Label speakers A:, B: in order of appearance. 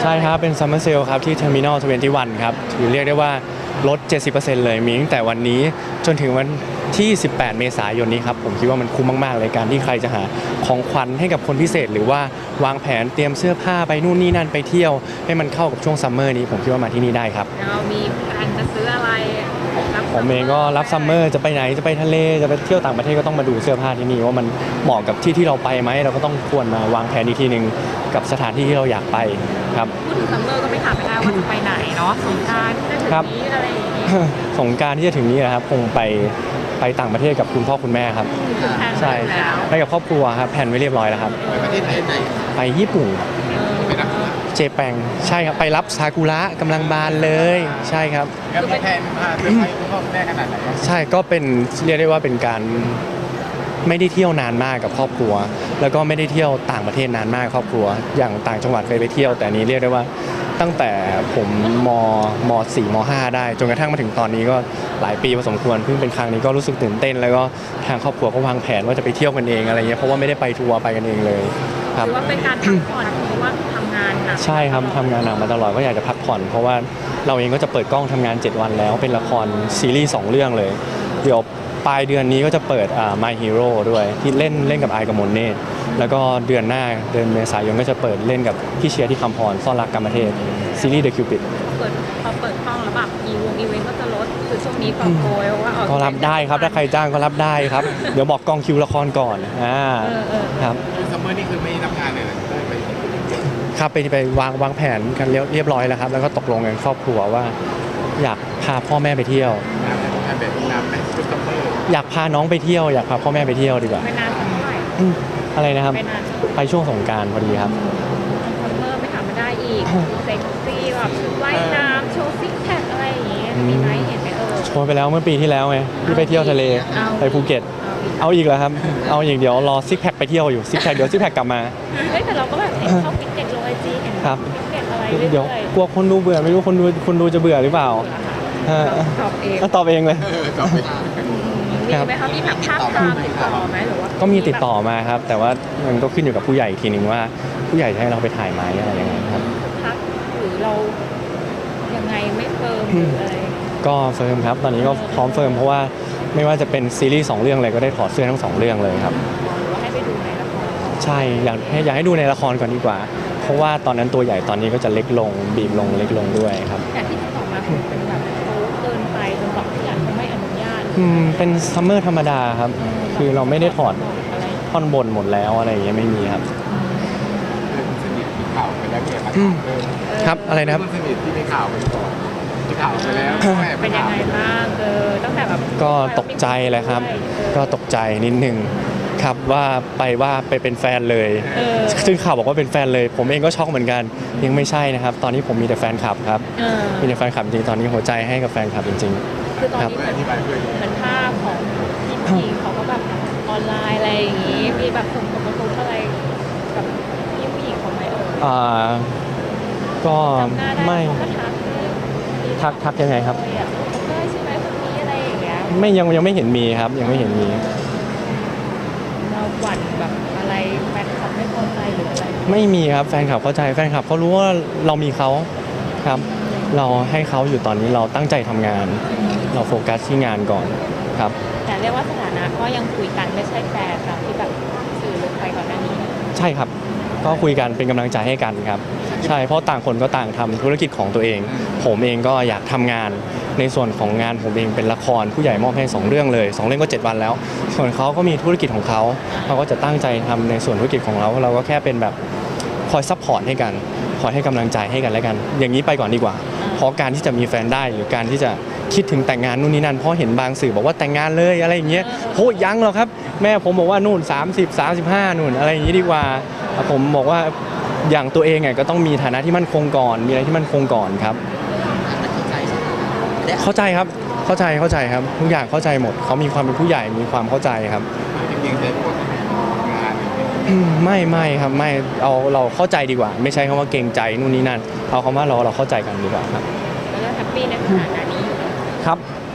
A: ช่ครับเป็นซัมเมอร์เซลครับที่ Terminal 21ครับถือเรียกได้ว่าลด 70% เลยมีตั้งแต่วันนี้จนถึงวันที่ 18 เมษายนนี้ครับผมคิดว่ามันคุ้มมากๆเลยการที่ใครจะหาของขวัญให้กับคนพิเศษหรือว่าวางแผนเตรียมเสื้อผ้าไปนู่นนี่นั่นไปเที่ยวให้มันเข้ากับช่วงซัมเมอร์นี้ผมคิดว่ามาที่นี่ได้ครับ
B: เรามีการจะซื้ออะไร
A: ผมเองก็รับซัมเมอร์จะไปไหนจะไปทะเลจะไปเที่ยวต่างประเทศก็ต้องมาดูเสื้อผ้าที่นี่ว่ามันเหมาะกับที่ที่เราไปไหมเราก็ต้องควรมาวางแผนอีกทีนึงกับสถานที่ที่เราอยากไปครับ
B: พูดถึงซัมเมอร์ก็ไม่ถามไม่ได้ว่าจะไปไหนเนาะสงกรานต์ที่จะถึงนี้อะไรอย่างงี้
A: สงกรานต์ที่จะถึงนี้นะครับคงไปต่างประเทศกับคุณพ่อคุณแม่ครับใช่ไปกับครอบครัวครับแผนไว้เรียบร้อยแล้วครับ
C: ไปประเทศไหน
A: ไปญี่ปุ่น
C: ไปรับ
A: เจแปงใช่ครับไปรับซากุระกำลังบานเลยใช่ครับ
C: แล้วแทนพาไปคุณพ่อคุณแม่ขนาดไหน
A: ใช่ก็เป็นเรียกได้ว่าเป็นการไม่ได้เที่ยวนานมากกับครอบครัวแล้วก็ไม่ได้เที่ยวต่างประเทศนานมากครอบครัวอย่างต่างจังหวัดเคยไปเที่ยวแต่นี้เรียกได้ว่าตั้งแต่ผมม4ม5ได้จนกระทั่งมาถึงตอนนี้ก็หลายปีพอสมควรเพิ่งเป็นครั้งนี้ก็รู้สึกตื่นเต้นแล้วก็ทางครอบครัวก็วางแผนว่าจะไปเที่ยวกันเองอะไรเงี้ยเพราะว่าไม่ได้ไปทัวร์ไปกันเองเลยครับ
B: ถือว่าเป็นการพักผ่อนเพราะว่าทำงานหนัก
A: ใช่ครับทำงานหนักมาตลอดก็อยากจะพักผ่อนเพราะว่าเราเองก็จะเปิดกล้องทำงาน7วันแล้วเป็นละครซีรีส์2เรื่องเลยเดี๋ยวปลายเดือนนี้ก็จะเปิดMy Hero ด้วยที่เล่นกับไอกับมนเนตแล้วก็เดือนหน้าเดือนเมษายนก็จะเปิดเล่นกับพี่เชียร์ที่คำพรซ่อนรักกรรมเทพซีรีส์ The Cupid
B: พอเปิดกล้องแล้วแบบอีเวนต์ก็จะลดคือช่วงนี้กองโกยว่า
A: ก็รับได้ครับถ้าใครจ้างก็รับได้ครับเดี๋ยวบอกกองคิวละครก่อนครับ
C: ซัมเมอร์นี่คือไม่รับงานเลย
A: ครับไปวางแผนกันเรียบร้อยแล้วครับแล้วก็ตกลงกันครอบครัวว่าอยากพาพ่อแม่ไปเที่ยวอยากพาน้องไปเที่ยวอยากพาพ่อแม่ไปเที่ยวดีกว่า
B: ไม่นานเท่าไหร่
A: อะไรนะครับไปช่วงสงกรานต์พอดีครับ
B: ซัมเมอร์ไม่ถามมาได้อีกเซ็กซี่แบบชุดว่ายน้ำโชว์ซิกแพคอะไรอย่างงี้มีไหมเห็นไหม
A: โชว์ไปแล้วเมื่อปีที่แล้วไงที่ไปเที่ยวทะเลไปภูเก็ตเอาอีกเหรอครับเอาอย่างเดียวรอซิกแพคไปเที่ยวอยู่ซิกแพคเดี๋ยวซิกแพคกลับมา
B: แต่เราก็แบบเห็นเขาฟิตเนสลงไอจีเห็นฟิตเนสอะไร
A: เดี๋ยวกลัวคนดูเบื่อไม่รู้คนดูจะเบื่อหรือเปล่าตอบเองเลย
B: มีไหมคะมีแบบภาพตามติดต่อไหมหรือว่า
A: ก็มีติดต่อมาครับแต่ว่ามันก็ขึ้นอยู่กับผู้ใหญ่ทีนึงว่าผู้ใหญ่จะให้เราไปถ่ายไหมอะไรยังไงครับ
B: พักหรือเรายังไงไม่เฟิร์มหรืออะไร
A: ก็เฟิร์มครับตอนนี้ก็พร้อมเฟิร์มเพราะว่าไม่ว่าจะเป็นซีรีส์2เรื่องอะไรก็ได้ถอดเสื้อทั้ง2เรื่องเลยครับ
B: ให้ไปดูในละคร
A: ใช่อยากให้ดูในละครก่อนดีกว่าเพราะว่าตอนนั้นตัวใหญ่ตอนนี้ก็จะเล็กลงบีบลงเล็กลงด้วยครับ
B: แต่ที่ติดต่อมาเป็นแบบเกินไปจนแบบที่อยากไม่อนุญาต
A: เป็นซัมเมอร์ธรรมดาครับคือเราไม่ได้ถอดท่อนบนหมดแล้วอะไรอย่างเงี้ยไม่มีครับ
C: สนิทที่ข่าวไปแล้วเนี่ย
A: ครับอะไรนะครับ
C: สนิทที่มีข่าวไปก่อนที่ข่าวไปแล้ว
B: เป็นยังไงบ้างตั้งแต่แบบ
A: ก็ตกใจแหละครับก็ตกใจนิดนึงครับว่าไปเป็นแฟนเลยซึ่งข่าวบอกว่าเป็นแฟนเลยผมเองก็ช็อกเหมือนกันยังไม่ใช่นะครับตอนนี้ผมมีแต่แฟนคลับครับมีแต่แฟนคลับจริงตอนนี้หัวใจให้กับแฟนคลับจริง
B: ๆคือตอนนี้เหมือนภาพของพี่เขาก็แบบออนไลน์อะไรอย่างงี้มีแบบส่งผลกระทบอะไรกับพี่ผู้หญิงของไหม
A: ก็ไม่ทักยังไงครับ
B: ใช่ไหมคนนี้อะไรอย่างเงี้ย
A: ไม่ยังไม่เห็นมีครับยังไม่เห็นมี
B: เราหวั่นแบบอะไรแฟนคลับไม่พอใจหรืออะไร
A: ไม่มีครับแฟนคลับเข้าใจแฟนคลับเขารู้ว่าเรามีเขาครับเราให้เขาอยู่ตอนนี้เราตั้งใจทำงานเราโฟกัสที่งานก่อนครับ
B: แต่เรียกว่าสถานะก็ยังคุยกันไม่ใช่แฟนตามที่แบบสื่อลงไปก่อนหน้านี้
A: ใช่ครับก็คุยกันเป็นกำลังใจให้กันครับใช่เพราะต่างคนก็ต่างทำธุรกิจของตัวเองผมเองก็อยากทำงานในส่วนของงานผมเองเป็นละครผู้ใหญ่มอบให้2เรื่องเลย2เรื่องก็7วันแล้วส่วนเขาก็มีธุรกิจของเขาก็จะตั้งใจทำในส่วนธุรกิจของเราก็แค่เป็นแบบคอยซัพพอร์ตให้กันคอยให้กำลังใจให้กันและกันอย่างนี้ไปก่อนดีกว่าเพราะการที่จะมีแฟนได้หรือการที่จะคิดถึงแต่งงานนู่นนี่นั่นเพราะเห็นบางสื่อบอกว่าแต่งงานเลยอะไรอย่างเงี้ยโหยังหรอกครับแม่ผมบอกว่านู่น30 35นู่นอะไรอย่างนี้ดีกว่าผมบอกว่าอย่างตัวเองก็ต้องมีฐานะที่มั่นคงก่อนมีอะไรที่มั่นคงก่อนครับเข้าใจครับเข้าใจครับทุกอย่างเข้าใจหมดเขามีความเป็นผู้ใหญ่มีความเข้าใจครับไม่ครับไม่เราเข้าใจดีกว่าไม่ใช่คำว่าเกรงใจนู่นนี่นั่นเอาคำว่าเราเข้าใจกันดีกว่าครับ
B: แล้วแฮปปี้ในสถานะนี้
A: ครับ